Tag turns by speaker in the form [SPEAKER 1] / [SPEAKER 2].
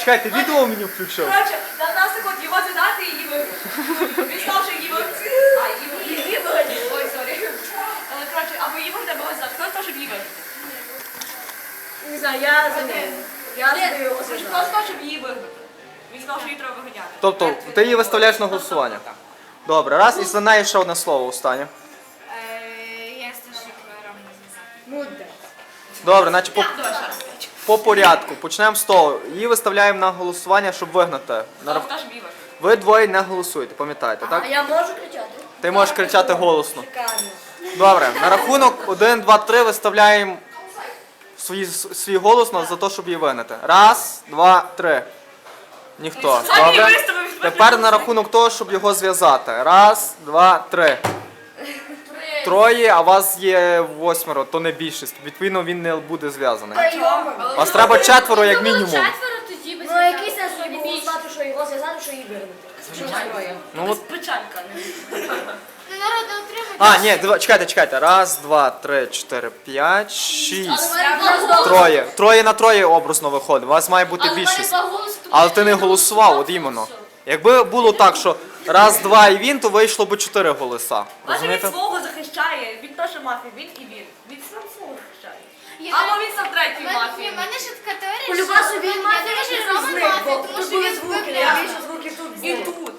[SPEAKER 1] чекайте, відео мені включив.
[SPEAKER 2] Коротше, нам нас так от його задати і її виграти. Він сказав, що її виграти. Її виграти. Ой, сорі. Коротше, або її виграти, або задати. Хто сказав, щоб її виграти?
[SPEAKER 3] Не знаю, я за нею. Я за нею його
[SPEAKER 2] Хто сказав, щоб її виграти? Він сказав, що її треба виганяти.
[SPEAKER 1] Тобто, ти її виставляєш на голосування. Добре, раз, і за нею ще одне слово останнє.
[SPEAKER 4] Jesteś szyklerem.
[SPEAKER 3] Мудре.
[SPEAKER 1] Добре, значить
[SPEAKER 2] Давай ще раз.
[SPEAKER 1] по порядку. Почнемо з того. Її виставляємо на голосування, щоб вигнати.
[SPEAKER 2] Хто сказав, щоб її виграти?
[SPEAKER 1] Ви двоє не голосуєте, пам'ятаєте, так?
[SPEAKER 3] А я можу кричати?
[SPEAKER 1] Ти можеш кричати голосно.
[SPEAKER 3] Шикарно.
[SPEAKER 1] Добре, на рахунок 1, 2, 3 виставляємо свій голос за те, щоб її вигнати. Раз, два, три. Ніхто. Добре? Тепер на рахунок того, щоб його зв'язати. Раз, два, три. Троє, а вас є 8, то не більшість. Відповідно, він не буде зв'язаний. Вас треба 4 як мінімум.
[SPEAKER 4] Четверо тоді без
[SPEAKER 3] Ну який сенс було знати, що його зв'язати, що її вигнати?
[SPEAKER 1] Ну, от...
[SPEAKER 2] Печалька.
[SPEAKER 4] Народне утримання.
[SPEAKER 1] А, ні, чекайте. Раз, два, три, 4, 5, 6.
[SPEAKER 3] Троє.
[SPEAKER 1] Троє на троє образно виходить. У вас має бути більшість. Але ти не голосував, от іменно. Якби було так, що раз, два і він, то вийшло б 4 голоса.
[SPEAKER 2] Бачиш, він
[SPEAKER 1] Розумієте?
[SPEAKER 2] свого захищає. Він теж мафія, він і він. Він сам свого захищає. Або він сам третій
[SPEAKER 4] У
[SPEAKER 2] мафії.
[SPEAKER 4] мене ще така теорія,
[SPEAKER 3] Полюбасу він
[SPEAKER 4] я
[SPEAKER 3] має
[SPEAKER 4] думаю, що
[SPEAKER 3] більше
[SPEAKER 4] Рома
[SPEAKER 3] звук, бо
[SPEAKER 4] мафія, тому
[SPEAKER 3] тут
[SPEAKER 4] що
[SPEAKER 3] були
[SPEAKER 4] він
[SPEAKER 3] звуки,
[SPEAKER 4] вибрав.
[SPEAKER 3] я більше звуків тут
[SPEAKER 2] І
[SPEAKER 3] було.
[SPEAKER 2] тут.